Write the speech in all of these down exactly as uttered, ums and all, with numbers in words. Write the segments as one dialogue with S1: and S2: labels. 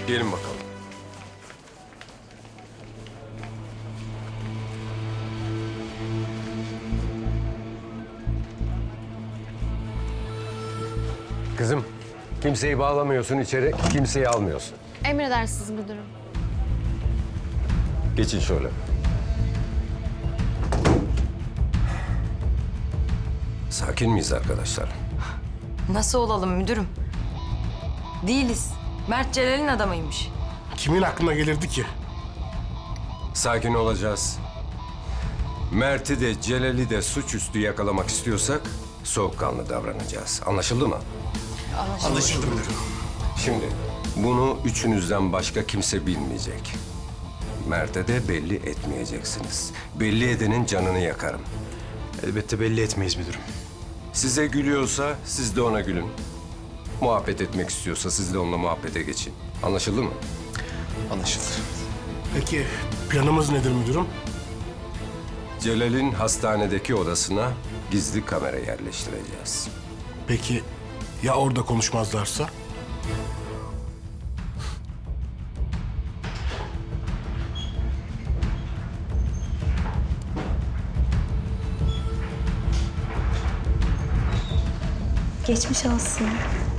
S1: Gelin bakalım. Kızım, kimseyi bağlamıyorsun içeri, kimseyi almıyorsun.
S2: Emredersiniz müdürüm.
S1: Geçin şöyle. Sakin miyiz arkadaşlar?
S3: Nasıl olalım müdürüm? Değiliz. Mert Celal'in adamıymış.
S4: Kimin aklına gelirdi ki?
S1: Sakin olacağız. Mert'i de Celal'i de suçüstü yakalamak istiyorsak soğukkanlı davranacağız. Anlaşıldı mı?
S4: Anlaşıldı müdürüm.
S1: Şimdi bunu üçünüzden başka kimse bilmeyecek. Mert'e de belli etmeyeceksiniz. Belli edenin canını yakarım.
S5: Elbette belli etmeyiz müdürüm.
S1: Size gülüyorsa siz de ona gülün. Muhabbet etmek istiyorsa siz de onunla muhabbete geçin. Anlaşıldı mı?
S5: Anlaşıldı.
S4: Peki planımız nedir müdürüm?
S1: Celal'in hastanedeki odasına gizli kamera yerleştireceğiz.
S4: Peki ya orada konuşmazlarsa?
S6: Geçmiş olsun.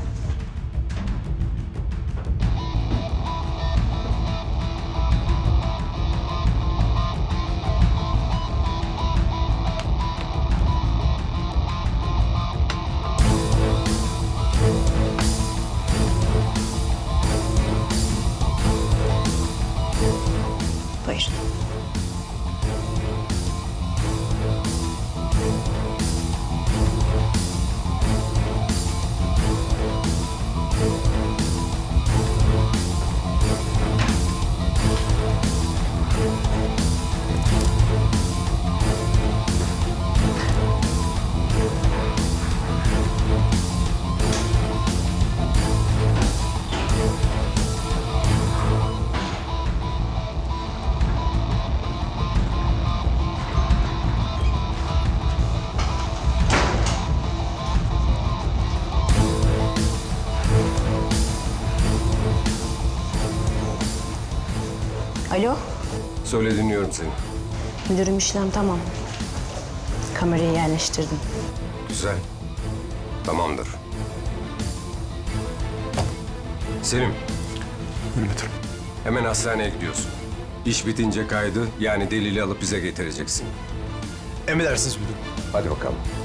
S6: Buyurun. Alo,
S1: Söyle, dinliyorum seni.
S6: müdürüm işlem tamam. Kamerayı yerleştirdim.
S1: Güzel. Tamamdır. Selim,
S5: Buyurun müdürüm.
S1: hemen hastaneye gidiyorsun. İş bitince kaydı, yani delili alıp bize getireceksin.
S5: Emredersiniz müdürüm.
S1: Hadi bakalım.